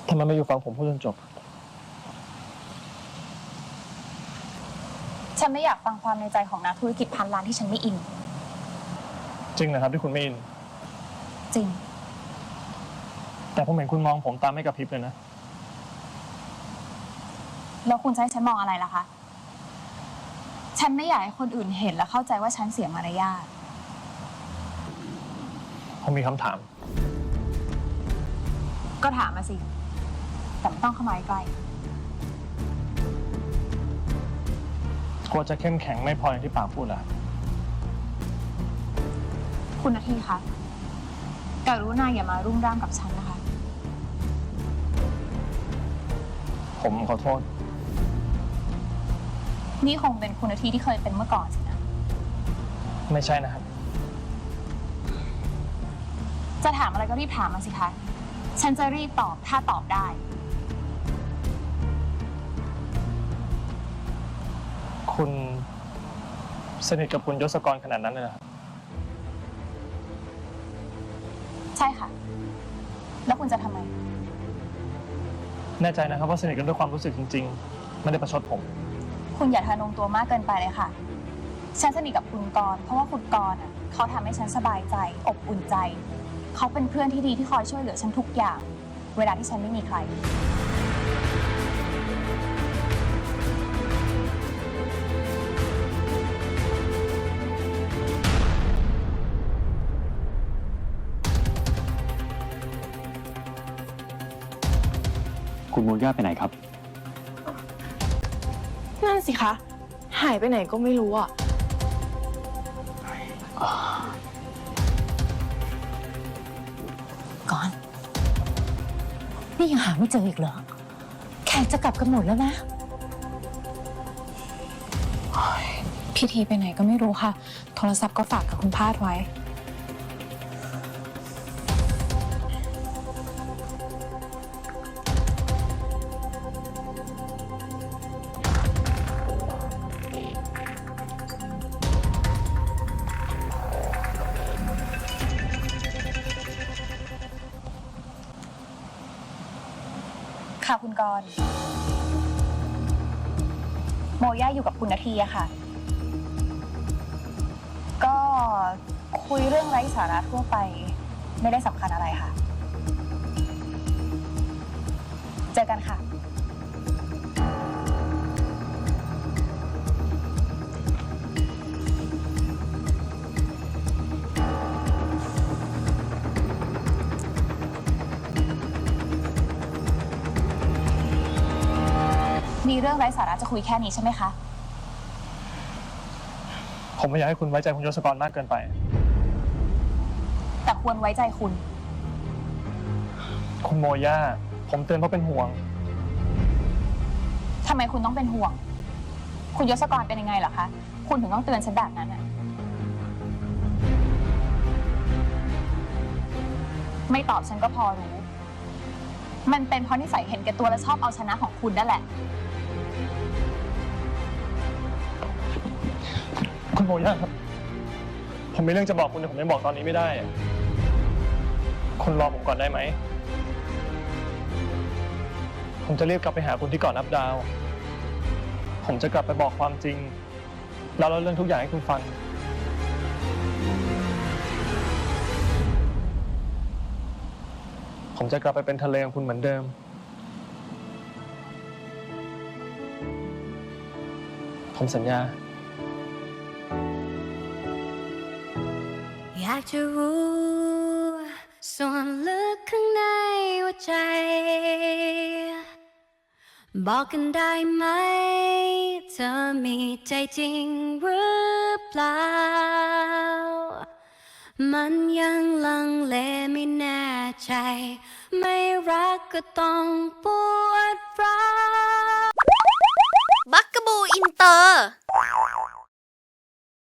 ทำไมไม่อยู่ฟังผมพูดจนจบฉันไม่อยากฟังความในใจของนักธุรกิจพันล้านที่ฉันไม่อินจริงนะครับที่คุณไม่อินจริงแต่ผมเห็นคุณมองผมตามไม่กระพริบเลยนะแล้วคุณจะให้ฉันมองอะไรล่ะคะฉันไม่อยากให้คนอื่นเห็นและเข้าใจว่าฉันเสียมารยาทผมมีคำถามก็ถามมาสิแต่ไม่ต้องเข้ามาใกล้กลัวจะเข้มแข็งไม่พออย่างที่ปากพูดล่ะคุณนาทีคะกรุณาอย่ามารุ่มร่ามกับฉันนะคะผมขอโทษนี่คงเป็นคุณนาทีที่เคยเป็นเมื่อก่อนสินะไม่ใช่นะครับจะถามอะไรก็รีบถามมาสิคะฉันจะรีบตอบถ้าตอบได้คุณสนิทกับคุณยศกรขนาดนั้นเลยเหรอครับใช่ค่ะแล้วคุณจะทำไมแน่ใจนะครับว่าสนิทกันด้วยความรู้สึกจริงๆไม่ได้ประชดผมคุณอย่าทะนงตัวมากเกินไปเลยค่ะฉันสนิทกับคุณกรณ์เพราะว่าคุณกรณ์เขาทำให้ฉันสบายใจอบอุ่นใจเขาเป็นเพื่อนที่ดีที่คอยช่วยเหลือฉันทุกอย่างเวลาที่ฉันไม่มีใครคุณโมย่าไปไหนครับนั่นสิคะหายไปไหนก็ไม่รู้อ่ะก่อนนี่ยังหาไม่เจออีกเหรอแขกจะกลับกันหมดแล้วนะพี่ทีไปไหนก็ไม่รู้ค่ะโทรศัพท์ก็ฝากกับคุณพาดไว้ค่ะคุณกรณ์โมย่าอยู่กับคุณนาทีอะค่ะ ก็คุยเรื่องไร้สาระทั่วไปไม่ได้สำคัญอะไรค่ะ เจอกันค่ะมีเรื่องไร้สาระจะคุยแค่นี้ใช่ไหมคะผมไม่อยากให้คุณไว้ใจคุณยศกรมากเกินไปแต่ควรไว้ใจคุณคุณโมย่าผมเตือนเพราะเป็นห่วงทำไมคุณต้องเป็นห่วง คุณยศกรเป็นยังไงเหรอคะ คุณถึงต้องเตือนฉันแบบนั้นอะไม่ตอบฉันก็พอรู้ มันเป็นเพราะนิสัยเห็นแก่ตัวและชอบเอาชนะของคุณนั่นแหละคุณโมย่าครับผมมีเรื่องจะบอกคุณแต่ผมยังบอกตอนนี้ไม่ได้คุณรอผมก่อนได้ไหมผมจะรีบกลับไปหาคุณที่เกาะนับดาวผมจะกลับไปบอกความจริงแล้วเล่าเรื่องทุกอย่างให้คุณฟังผมจะกลับไปเป็นทะเลของคุณเหมือนเดิมผมสัญญาอยากจะรู้ส่วนลึกข้างในหัวใจบอกกันได้ไหมเธอมีใจจริงหรือเปล่ามันยังลังเลไม่แน่ใจไม่รักก็ต้องปวดร้าวบักกะบูอินเตอร์